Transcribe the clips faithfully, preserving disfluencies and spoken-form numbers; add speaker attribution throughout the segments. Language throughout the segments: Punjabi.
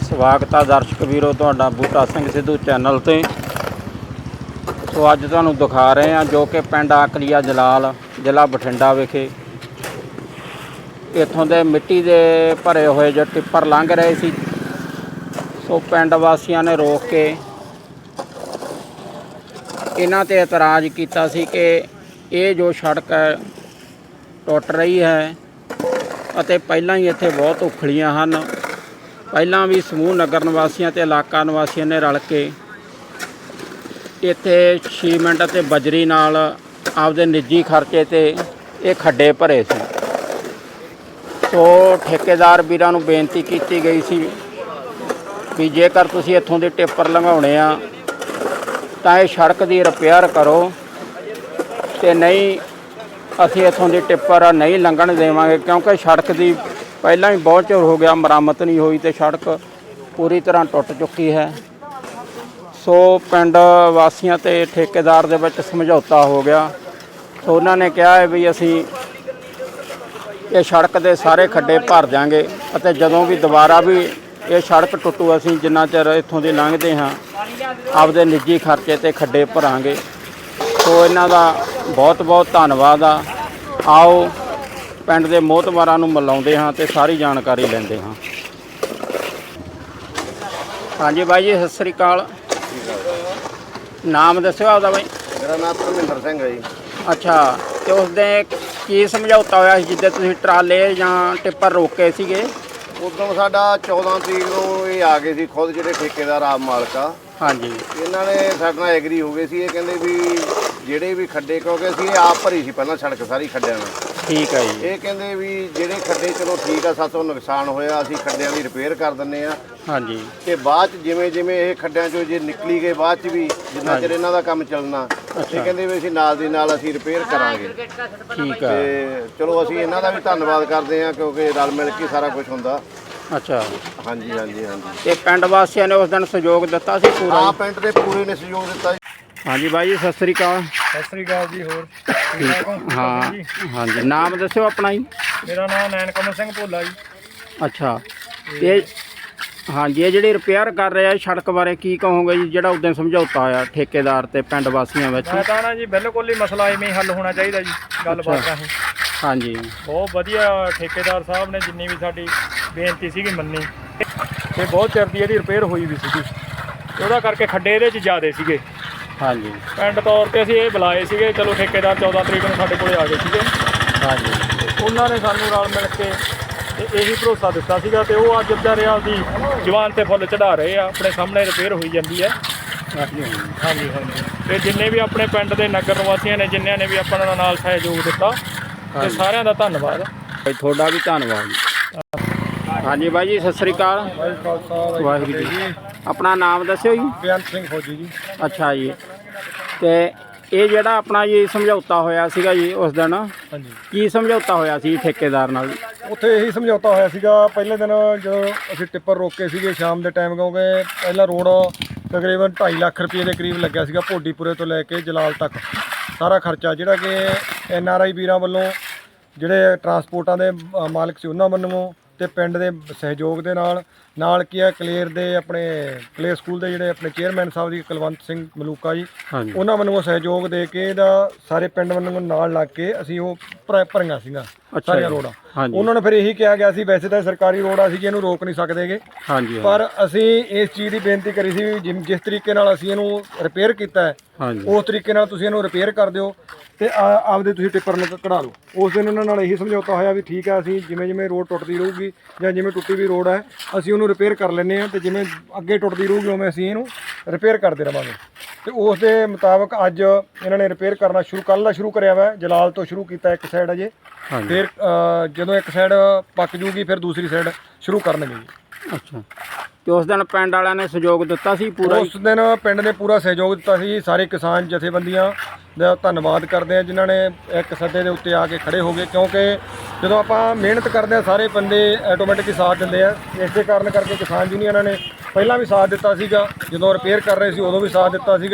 Speaker 1: स्वागत है दर्शक वीरों तुहाडा बूटा सिंह सिद्धू चैनल ते। सो अज तुहानूं दिखा रहे हैं जो कि पिंड आकलीआ जलाल जिला बठिंडा विखे इत्थों दे मिट्टी दे भरे हुए जो टिप्पर लंघ रहे सी। सो पिंड वासियों ने रोक के इन्हां ते एतराज़ कीता सी कि ये जो सड़क है टुट रही है ਅਤੇ ਪਹਿਲਾਂ ਹੀ ਇੱਥੇ ਬਹੁਤ ਉਖਲੀਆਂ ਹਨ। ਪਹਿਲਾਂ ਵੀ ਸਮੂਹ ਨਗਰ ਨਿਵਾਸੀਆਂ ਤੇ ਇਲਾਕਾ ਨਿਵਾਸੀਆਂ ਨੇ ਰਲ ਕੇ ਇੱਥੇ ਸੀਮੈਂਟ ਅਤੇ ਬਜਰੀ ਨਾਲ ਆਪਦੇ ਨਿੱਜੀ ਖਰਚੇ ਤੇ ਇਹ ਖੱਡੇ ਭਰੇ ਸੀ। ਸੋ ਠੇਕੇਦਾਰ ਵੀਰਾਂ ਨੂੰ ਬੇਨਤੀ ਕੀਤੀ ਗਈ ਸੀ ਵੀ ਜੇਕਰ ਤੁਸੀਂ ਇੱਥੋਂ ਦੇ ਟਿੱਪਰ ਲੰਘਾਉਣੇ ਆ ਤਾਂ ਇਹ ਸੜਕ ਦੀ ਰਿਪੇਅਰ ਕਰੋ ਤੇ ਨਹੀਂ ਅਸੀਂ ਇੱਥੋਂ ਦੀ ਟਿੱਪਰ नहीं ਲੰਘਣ ਦੇਵਾਂਗੇ, क्योंकि सड़क की पहला ही बहुत चोर हो गया मरम्मत नहीं हुई तो सड़क पूरी तरह टुट चुकी है। सो पिंड वासियों ते ठेकेदार दे विच समझौता हो गया। सो उन्होंने कहा है भी असी ये सड़क के सारे खड्डे भर देंगे और जदों भी दोबारा भी ये सड़क टुटू असी जिन्ना चिर इत्थों दी लंघते हाँ आपदे निजी खर्चे ते खड्डे भरांगे। सो इन्हां दा बहुत बहुत धन्नवाद आ। आओ पिंड दे मोहतबारां नूं मिलाउंदे हां ते सारी जानकारी लैंदे हां। हाँ जी बाई जी सत श्री अकाल। नाम दस्सिओ आपदा बाई।
Speaker 2: मेरा नाम धर्मिंदर सिंह है जी।
Speaker 1: अच्छा ते उस दिन की समझौता होया जिद्दे तुसीं ट्राले जां टिप्पर रोके सीगे?
Speaker 2: उदों साडा चौदह तरीक नूं ये आ गए सी खुद जिहड़े ठेकेदार आप मालक आ।
Speaker 1: हाँ जी
Speaker 2: इन्हां ने साडे नाल एग्री हो गए सी। ये कहंदे भी ਜਿਹੜੇ ਵੀ ਖੱਡੇ ਕਿਉਂਕਿ ਅਸੀਂ ਇਹ ਆਪ ਭਰੀ ਸੀ ਪਹਿਲਾਂ ਸੜਕ ਸਾਰੀ ਖੱਡਿਆਂ ਨਾਲ।
Speaker 1: ठीक है जी।
Speaker 2: ਇਹ ਕਹਿੰਦੇ ਵੀ ਜਿਹੜੇ ਖੱਡੇ ਚਲੋ ਠੀਕ ਆ ਸਾਤੋਂ ਨੁਕਸਾਨ ਹੋਇਆ ਅਸੀਂ ਖੱਡਿਆਂ ਦੀ ਰਿਪੇਅਰ ਕਰ ਦਿੰਨੇ ਆ।
Speaker 1: हाँ जी
Speaker 2: ਤੇ ਬਾਅਦ ਚ ਜਿਵੇਂ ਜਿਵੇਂ ਇਹ ਖੱਡਿਆਂ ਚੋਂ ਜੇ ਨਿਕਲੀ ਗਏ ਬਾਅਦ ਚ ਵੀ ਜਿੰਨਾ ਚਿਰ ਇਹਨਾਂ ਦਾ ਕੰਮ ਚੱਲਣਾ ਇਹ ਕਹਿੰਦੇ ਵੀ ਅਸੀਂ ਨਾਲ ਦੀ ਨਾਲ ਅਸੀਂ ਰਿਪੇਅਰ ਕਰਾਂਗੇ।
Speaker 1: ठीक है।
Speaker 2: ਤੇ ਚਲੋ ਅਸੀਂ ਇਹਨਾਂ ਦਾ ਵੀ ਧੰਨਵਾਦ ਕਰਦੇ ਆ ਕਿਉਂਕਿ ਰਲ ਮਿਲ ਕੇ ਸਾਰਾ ਕੁਝ ਹੁੰਦਾ।
Speaker 1: अच्छा
Speaker 2: ਹਾਂਜੀ ਹਾਂਜੀ ਹਾਂਜੀ
Speaker 1: ਤੇ ਪਿੰਡ ਵਾਸੀਆਂ ਨੇ ਉਸ ਦਿਨ ਸਹਿਯੋਗ ਦਿੱਤਾ ਸੀ ਪੂਰਾ?
Speaker 2: ਆ ਪਿੰਡ ਦੇ ਪੂਰੇ ਨੇ ਸਹਿਯੋਗ ਦਿੱਤਾ ਜੀ।
Speaker 1: हाँ जी भाई जी सत श्री अकाल।
Speaker 3: सत श्री अकाल जी। होर
Speaker 1: हाँ हाँ जी नाम दस्यो अपना ही।
Speaker 3: मेरा नाम नैन कमल सिंह भोला जी।
Speaker 1: अच्छा ये हाँ जी ये जी रिपेयर कर रहे हैं सड़क बारे की कहोगे जी ਜਿਹੜਾ उस दिन समझौता होया ठेकेदार ते पिंड वासियों ਵਿੱਚ?
Speaker 3: मैं ਤਾਂ ਨਾ ਜੀ ਬਿਲਕੁਲ ਹੀ ਮਸਲਾ ਇਵੇਂ ਹੀ ਹੱਲ ਹੋਣਾ ਚਾਹੀਦਾ ਜੀ ਗੱਲਬਾਤ ਰਾਹੀਂ।
Speaker 1: हाँ जी
Speaker 3: ਬਹੁਤ ਵਧੀਆ ਠੇਕੇਦਾਰ ਸਾਹਿਬ ਨੇ ਜਿੰਨੀ ਵੀ ਸਾਡੀ ਬੇਨਤੀ ਸੀਗੀ ਮੰਨੀ ਤੇ ਬਹੁਤ ਚਿਰ ਦੀ ਇਹਦੀ ਰਿਪੇਅਰ ਹੋਈ ਵੀ ਸੀਗੀ ਉਹਦਾ ਕਰਕੇ ਖੱਡੇ ਇਹਦੇ 'ਚ ਜ਼ਿਆਦੇ ਸੀਗੇ।
Speaker 1: हाँ जी
Speaker 3: ਪਿੰਡ ਤੌਰ ਤੇ ਅਸੀਂ ਇਹ ਬੁਲਾਏ ਸੀਗੇ। ਚਲੋ ਠੇਕੇਦਾਰ ਚੌਦਾਂ ਤਰੀਕ ਨੂੰ ਸਾਡੇ ਕੋਲੇ ਆ ਗਏ ਸੀਗੇ।
Speaker 1: हाँ जी
Speaker 3: ਉਹਨਾਂ ਨੇ ਸਾਨੂੰ ਰਲ ਮਿਲ ਕੇ ਤੇ ਇਹੀ ਭਰੋਸਾ ਦਿੱਤਾ ਸੀਗਾ ਤੇ ਉਹ ਅੱਜ ਵਿਚਾਰੇ ਆਪਦੀ ਜਵਾਨ ਤੇ ਫੁੱਲ ਚੜਾ ਰਹੇ ਆ। ਆਪਣੇ ਸਾਹਮਣੇ ਰਿਪੇਅਰ ਹੋਈ ਜਾਂਦੀ ਹੈ। ਹਾਂਜੀ ਹਾਂਜੀ ਤੇ ਜਿੰਨੇ ਵੀ ਆਪਣੇ ਪਿੰਡ ਦੇ ਨਗਰ ਨਿਵਾਸੀਆਂ ਨੇ ਜਿਨ੍ਹਾਂ ਨੇ ਵੀ ਆਪਣਾ ਨਾਲ ਸਹਿਯੋਗ ਦਿੱਤਾ ਤੇ ਸਾਰਿਆਂ ਦਾ ਧੰਨਵਾਦ।
Speaker 1: भाई थोड़ा भी धन्यवाद जी। हाँ जी भाई जी सत श्री अकाल। वाहिगुरू जी अपना नाम दस्यो जी।
Speaker 3: ਬੇਅੰਤ ਸਿੰਘ ਫੌਜੀ ਜੀ।
Speaker 1: अच्छा जी ते ਇਹ ਜਿਹੜਾ ਆਪਣਾ ਜੀ ਸਮਝੌਤਾ ਹੋਇਆ ਸੀਗਾ ਜੀ ਉਸ ਦਿਨ
Speaker 3: ਹਾਂਜੀ
Speaker 1: ਕੀ ਸਮਝੌਤਾ ਹੋਇਆ ਸੀ ਠੇਕੇਦਾਰ ਨਾਲ?
Speaker 4: ਉੱਥੇ ਇਹੀ ਸਮਝੌਤਾ ਹੋਇਆ ਸੀਗਾ ਪਹਿਲੇ ਦਿਨ ਜਦੋਂ ਅਸੀਂ ਟਿੱਪਰ ਰੋਕੇ ਸੀਗੇ ਸ਼ਾਮ ਦੇ ਟਾਈਮ, ਕਿਉਂਕਿ ਪਹਿਲਾ ਰੋਡ ਤਕਰੀਬਨ ਢਾਈ ਲੱਖ ਰੁਪਏ ਦੇ ਕਰੀਬ ਲੱਗਿਆ ਸੀਗਾ ਭੋਡੀਪੁਰੇ ਤੋਂ ਲੈ ਕੇ ਜਲਾਲ ਤੱਕ ਸਾਰਾ ਖਰਚਾ, ਜਿਹੜਾ ਕਿ ਐਨ ਆਰ ਆਈ ਵੀਰਾਂ ਵੱਲੋਂ ਜਿਹੜੇ ਟਰਾਂਸਪੋਰਟਾਂ ਦੇ ਅ, ਮਾਲਕ ਸੀ ਉਹਨਾਂ ਵੱਲੋਂ ਤੇ ਪਿੰਡ ਦੇ ਸਹਿਯੋਗ ਦੇ ਨਾਲ ਨਾਲ ਕੀ ਹੈ ਕਲੇਰ ਦੇ ਆਪਣੇ ਕਲੇਰ ਸਕੂਲ ਦੇ ਜਿਹੜੇ ਆਪਣੇ ਚੇਅਰਮੈਨ ਸਾਹਿਬ ਜੀ ਕੁਲਵੰਤ ਸਿੰਘ ਮਲੂਕਾ ਜੀ
Speaker 1: ਹਾਂਜੀ
Speaker 4: ਉਹਨਾਂ ਵੱਲੋਂ ਸਹਿਯੋਗ ਦੇ ਕੇ ਇਹਦਾ ਸਾਰੇ ਪਿੰਡ ਵੱਲੋਂ ਨਾਲ ਲੱਗ ਕੇ ਅਸੀਂ ਉਹ ਭਰ- ਭਰੀਆਂ ਸੀਗਾ ਸਾਰੀਆਂ ਰੋਡਾਂ।
Speaker 1: ਹਾਂਜੀ
Speaker 4: ਉਹਨਾਂ ਨੇ ਫਿਰ ਇਹੀ ਕਿਹਾ ਗਿਆ ਸੀ ਵੈਸੇ ਤਾਂ ਸਰਕਾਰੀ ਰੋਡ ਆ ਸੀ ਇਹਨੂੰ ਰੋਕ ਨਹੀਂ ਸਕਦੇਗੇ,
Speaker 1: ਹਾਂਜੀ
Speaker 4: ਪਰ ਅਸੀਂ ਇਸ ਚੀਜ਼ ਦੀ ਬੇਨਤੀ ਕਰੀ ਸੀ ਵੀ ਜਿਮ- ਜਿਸ ਤਰੀਕੇ ਨਾਲ ਅਸੀਂ ਇਹਨੂੰ ਰਿਪੇਅਰ ਕੀਤਾ ਹੈ
Speaker 1: ਹਾਂਜੀ
Speaker 4: ਉਸ ਤਰੀਕੇ ਨਾਲ ਤੁਸੀਂ ਇਹਨੂੰ ਰਿਪੇਅਰ ਕਰ ਦਿਓ ਤੇ ਆ- ਆਪਦੇ ਤੁਸੀਂ ਟਿੱਪਰ ਨੂੰ ਕਢਾ ਲਓ। ਉਸ ਦਿਨ ਉਹਨਾਂ ਨਾਲ ਇਹੀ ਸਮਝੌਤਾ ਹੋਇਆ ਵੀ ਠੀਕ ਹੈ ਅਸੀਂ ਜਿਵੇਂ ਜਿਵੇਂ ਰੋਡ ਟੁੱਟਦੀ ਰਹੂਗੀ ਜਾਂ ਜਿਵੇਂ ਟੁੱਟੀ ਵੀ ਰੋਡ ਹੈ ਅਸੀਂ ਉਹਨੂੰ ਰਿਪੇਅਰ ਕਰ ਲੈਂਦੇ ਹਾਂ ਤੇ ਜਿਵੇਂ ਅੱਗੇ ਟੁੱਟਦੀ ਰਹੂਗੀ ਉਵੇਂ ਅਸੀਂ ਇਹਨੂੰ ਰਿਪੇਅਰ ਕਰਦੇ ਰਵਾਂਗੇ। ਤੇ ਉਸ ਦੇ ਮੁਤਾਬਕ ਅੱਜ ਇਹਨਾਂ ਨੇ ਰਿਪੇਅਰ ਕਰਨਾ ਸ਼ੁਰੂ ਕੱਲ੍ਹ ਦਾ ਸ਼ੁਰੂ ਕਰਿਆ ਵਾ। ਜਲਾਲ ਤੋਂ ਸ਼ੁਰੂ ਕੀਤਾ ਇੱਕ ਸਾਈਡ ਅਜੇ, ਫਿਰ ਅ, ਜਦੋਂ ਇੱਕ ਸਾਈਡ ਪੱਕ ਜੂਗੀ ਫਿਰ ਦੂਸਰੀ ਸਾਈਡ ਸ਼ੁਰੂ ਕਰਨਗੇ ਜੀ।
Speaker 1: ਅੱਛਾ ਤੇ ਉਸ ਦਿਨ ਪਿੰਡ ਵਾਲਿਆਂ ਨੇ ਸਹਿਯੋਗ ਦਿੱਤਾ ਸੀ ਪੂਰਾ?
Speaker 4: ਉਸ ਦਿਨ ਪਿੰਡ ਨੇ ਪੂਰਾ ਸਹਿਯੋਗ ਦਿੱਤਾ ਸੀ। ਸਾਰੇ ਕਿਸਾਨ ਜਥੇਬੰਦੀਆਂ ਦਾ ਧੰਨਵਾਦ ਕਰਦੇ ਆ ਜਿਨ੍ਹਾਂ ਨੇ ਇੱਕ ਸੱਦੇ ਦੇ ਉੱਤੇ ਆ ਕੇ ਖੜੇ ਹੋ ਗਏ, ਕਿਉਂਕਿ ਜਦੋਂ ਆਪਾਂ ਮਿਹਨਤ ਕਰਦੇ ਆ ਸਾਰੇ ਬੰਦੇ ਆਟੋਮੈਟਿਕ ਹੀ ਸਾਥ ਦਿੰਦੇ ਆ। ਇਸੇ ਕਾਰਨ ਕਰਕੇ ਕਿਸਾਨ ਯੂਨੀਅਨਾਂ ਨੇ ਪਹਿਲਾਂ ਵੀ ਸਾਥ ਦਿੱਤਾ ਸੀਗਾ, ਜਦੋਂ ਰਿਪੇਅਰ ਕਰ ਰਹੇ ਸੀ ਉਦੋਂ ਵੀ ਸਾਥ ਦਿੱਤਾ ਸੀਗਾ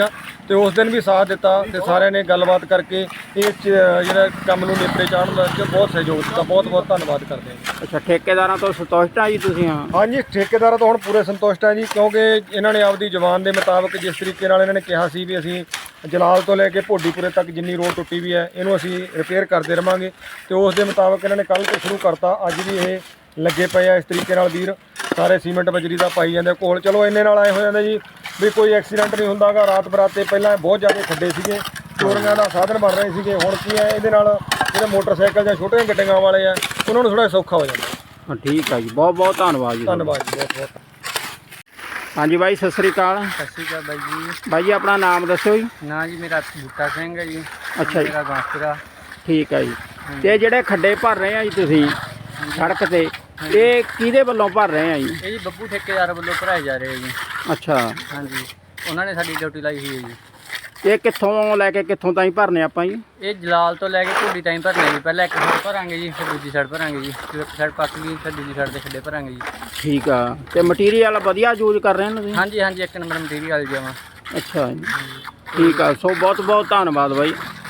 Speaker 4: ਤੇ ਉਸ ਦਿਨ ਵੀ ਸਾਥ ਦਿੱਤਾ ਤੇ ਸਾਰਿਆਂ ਨੇ ਗੱਲਬਾਤ ਕਰਕੇ ਇਹ 'ਚ ਜਿਹੜਾ ਕੰਮ ਨੂੰ ਨੇਪਰੇ ਚਾੜਨ ਦਾ ਬਹੁਤ ਸਹਿਯੋਗ ਦਿੱਤਾ। ਬਹੁਤ ਬਹੁਤ ਧੰਨਵਾਦ ਕਰਦੇ ਹਾਂ।
Speaker 1: ਅੱਛਾ, ਠੇਕੇਦਾਰਾਂ ਤੋਂ ਸੰਤੁਸ਼ਟ ਆ ਜੀ ਤੁਸੀਂ? ਹਾਂ
Speaker 4: ਹਾਂਜੀ, ਠੇਕੇਦਾਰਾਂ ਤੋਂ ਹੁਣ ਪੂਰੇ ਸੰਤੁਸ਼ਟ ਆ ਜੀ, ਕਿਉਂਕਿ ਇਹਨਾਂ ਨੇ ਆਪਦੀ ਜ਼ਬਾਨ ਦੇ ਮੁਤਾਬਕ ਜਿਸ ਤਰੀਕੇ ਨਾਲ ਇਹਨਾਂ ਨੇ ਕਿਹਾ ਸੀ ਵੀ ਅਸੀਂ ਜਲਾਲ ਤੋਂ ਲੈ ਕੇ ਭੋਡੀਪੁਰੇ ਤੱਕ ਜਿੰਨੀ ਰੋਡ ਟੁੱਟੀ ਵੀ ਹੈ ਇਹਨੂੰ ਅਸੀਂ ਰਿਪੇਅਰ ਕਰਦੇ ਰਵਾਂਗੇ, ਤੇ ਉਸ ਦੇ ਮੁਤਾਬਕ ਇਹਨਾਂ ਨੇ ਕੱਲ੍ਹ ਤੋਂ ਸ਼ੁਰੂ ਕਰਤਾ। ਅੱਜ ਵੀ ਇਹ ਲੱਗੇ ਪਏ ਆ ਇਸ ਤਰੀਕੇ ਨਾਲ ਵੀਰ, ਸਾਰੇ ਸੀਮੈਂਟ ਬਜਰੀ ਦਾ ਪਾਈ ਜਾਂਦੇ ਕੋਲ। ਚਲੋ ਇੰਨੇ ਨਾਲ ਆਏ ਹੋ ਜਾਂਦੇ ਜੀ ਵੀ ਕੋਈ ਐਕਸੀਡੈਂਟ ਨਹੀਂ ਹੁੰਦਾਗਾ। ਰਾਤ ਬਰਾਤੇ ਪਹਿਲਾਂ ਬਹੁਤ ਜ਼ਿਆਦਾ ਖੱਡੇ ਸੀਗੇ, ਚੋਰੀਆਂ ਦਾ ਸਾਧਨ ਬਣ ਰਹੇ ਸੀਗੇ। ਹੁਣ ਕੀ ਹੈ, ਇਹਦੇ ਨਾਲ ਜਿਹੜੇ ਮੋਟਰਸਾਈਕਲ ਜਾਂ ਛੋਟੀਆਂ ਗੱਡੀਆਂ ਵਾਲੇ ਆ ਉਹਨਾਂ ਨੂੰ ਥੋੜ੍ਹਾ ਸੌਖਾ ਹੋ ਜਾਂਦਾ।
Speaker 1: ਹਾਂ ਠੀਕ ਆ ਜੀ, ਬਹੁਤ ਬਹੁਤ ਧੰਨਵਾਦ ਜੀ।
Speaker 4: ਧੰਨਵਾਦ ਜੀ, ਬਹੁਤ ਬਹੁਤ।
Speaker 1: ਹਾਂਜੀ ਬਾਈ, ਸਤਿ ਸ੍ਰੀ ਅਕਾਲ।
Speaker 5: ਸਤਿ ਸ਼੍ਰੀ ਅਕਾਲ ਬਾਈ ਜੀ।
Speaker 1: ਬਾਈ ਜੀ ਆਪਣਾ ਨਾਮ ਦੱਸਿਓ ਜੀ।
Speaker 5: ਨਾਂ ਜੀ ਮੇਰਾ ਬੂਟਾ ਸਿੰਘ ਹੈ ਜੀ।
Speaker 1: ਅੱਛਾ ਜੀ,
Speaker 5: ਮੇਰਾ ਬਾਂਸਪੁਰਾ।
Speaker 1: ਠੀਕ ਆ ਜੀ। ਤੇ ਜਿਹੜੇ ਖੱਡੇ ਭਰ ਰਹੇ ਆ ਜੀ ਤੁਸੀਂ ਸੜਕ ਤੇ, ਇਹ ਕਿਹਦੇ ਵੱਲੋਂ ਭਰ ਰਹੇ ਆ ਜੀ?
Speaker 5: ਇਹ ਜੀ ਬੱਬੂ ਠੇਕੇਦਾਰ ਵੱਲੋਂ ਭਰਾਏ ਜਾ ਰਹੇ ਆ ਜੀ।
Speaker 1: ਅੱਛਾ,
Speaker 5: ਹਾਂਜੀ, ਉਹਨਾਂ ਨੇ ਸਾਡੀ ਡਿਊਟੀ ਲਾਈ ਹੋਈ ਹੈ ਜੀ।
Speaker 1: ਇਹ ਕਿੱਥੋਂ ਲੈ ਕੇ ਕਿੱਥੋਂ ਤਾਈਂ ਭਰਨੇ ਆਪਾਂ ਜੀ?
Speaker 5: ਇਹ ਜਲਾਲ ਤੋਂ ਲੈ ਕੇ ਢੋਡੀ ਤਾਈਂ ਭਰਨੇ ਜੀ। ਪਹਿਲਾਂ ਇੱਕ ਸਾਈਡ ਭਰਾਂਗੇ ਜੀ, ਫਿਰ ਦੂਜੀ ਸਾਈਡ ਭਰਾਂਗੇ ਜੀ। ਫਿਰ ਇੱਕ ਸਾਈਡ ਪੱਕ ਗਈ, ਫਿਰ ਦੂਜੀ ਸਾਈਡ ਦੇ ਖੱਡੇ ਭਰਾਂਗੇ ਜੀ।
Speaker 1: ਠੀਕ ਆ। ਤੇ ਮਟੀਰੀਅਲ ਵਧੀਆ ਯੂਜ਼ ਕਰ ਰਹੇ ਨੇ ਤੁਸੀਂ?
Speaker 5: ਹਾਂਜੀ ਹਾਂਜੀ, ਇੱਕ ਨੰਬਰ ਮਟੀਰੀਅਲ ਜਾਵਾਂ।
Speaker 1: ਅੱਛਾ ਜੀ, ਠੀਕ ਆ। ਸੋ ਬਹੁਤ ਬਹੁਤ ਧੰਨਵਾਦ ਬਾਈ।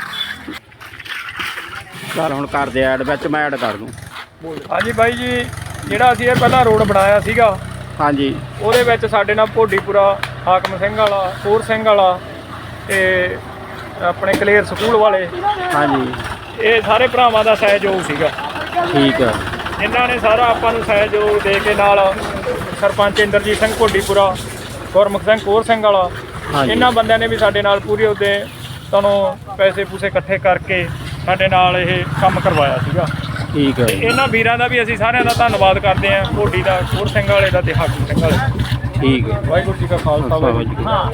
Speaker 1: ਚੱਲ ਹੁਣ ਕਰਦੇ ਐਡ, ਵਿੱਚ ਮੈਂ ਐਡ ਕਰ ਦੂੰ।
Speaker 3: ਹਾਂਜੀ ਬਾਈ ਜੀ, ਜਿਹੜਾ ਅਸੀਂ ਇਹ ਪਹਿਲਾਂ ਰੋਡ ਬਣਾਇਆ ਸੀਗਾ,
Speaker 1: ਹਾਂਜੀ
Speaker 3: ਉਹਦੇ ਵਿੱਚ ਸਾਡੇ ਨਾਲ ਭੋਡੀਪੁਰਾ, ਹਾਕਮ ਸਿੰਘ ਵਾਲਾ, ਕੋਰ ਸਿੰਘ ਵਾਲਾ ਤੇ ਆਪਣੇ ਕਲੇਰ ਸਕੂਲ ਵਾਲੇ,
Speaker 1: ਹਾਂਜੀ
Speaker 3: ਇਹ ਸਾਰੇ ਭਰਾਵਾਂ ਦਾ ਸਹਿਯੋਗ ਸੀਗਾ।
Speaker 1: ਠੀਕ ਆ।
Speaker 3: ਇਹਨਾਂ ਨੇ ਸਾਰਾ ਆਪਾਂ ਨੂੰ ਸਹਿਯੋਗ ਦੇ ਕੇ, ਨਾਲ ਸਰਪੰਚ ਇੰਦਰਜੀਤ ਸਿੰਘ ਭੋਡੀਪੁਰਾ, ਗੁਰਮੁਖ ਸਿੰਘ ਕੋਰ ਸਿੰਘ ਵਾਲਾ,
Speaker 1: ਹਾਂਜੀ।
Speaker 3: ਇਹਨਾਂ ਬੰਦਿਆਂ ਨੇ ਵੀ ਸਾਡੇ ਨਾਲ ਪੂਰੇ ਉਹਦੇ ਤੁਹਾਨੂੰ ਪੈਸੇ ਪੂਸੇ ਇਕੱਠੇ ਕਰਕੇ ਸਾਡੇ ਨਾਲ ਇਹ ਕੰਮ ਕਰਵਾਇਆ ਸੀਗਾ।
Speaker 1: ਠੀਕ ਹੈ
Speaker 3: ਤੇ ਇਹਨਾਂ ਵੀਰਾਂ ਦਾ ਵੀ ਅਸੀਂ ਸਾਰਿਆਂ ਦਾ ਧੰਨਵਾਦ ਕਰਦੇ ਹਾਂ, ਭੋਡੀ ਦਾ, ਕੋਰ ਸਿੰਘ ਵਾਲੇ ਦਾ ਤੇ ਹਾਕਮ ਸਿੰਘ ਵਾਲੇ ਦਾ।
Speaker 1: ਠੀਕ ਹੈ।
Speaker 3: ਵਾਹਿਗੁਰੂ ਜੀ ਕਾ ਖਾਲਸਾ, ਵਾਹਿਗੁਰੂ ਜੀ ਕੀ ਫਤਿਹ।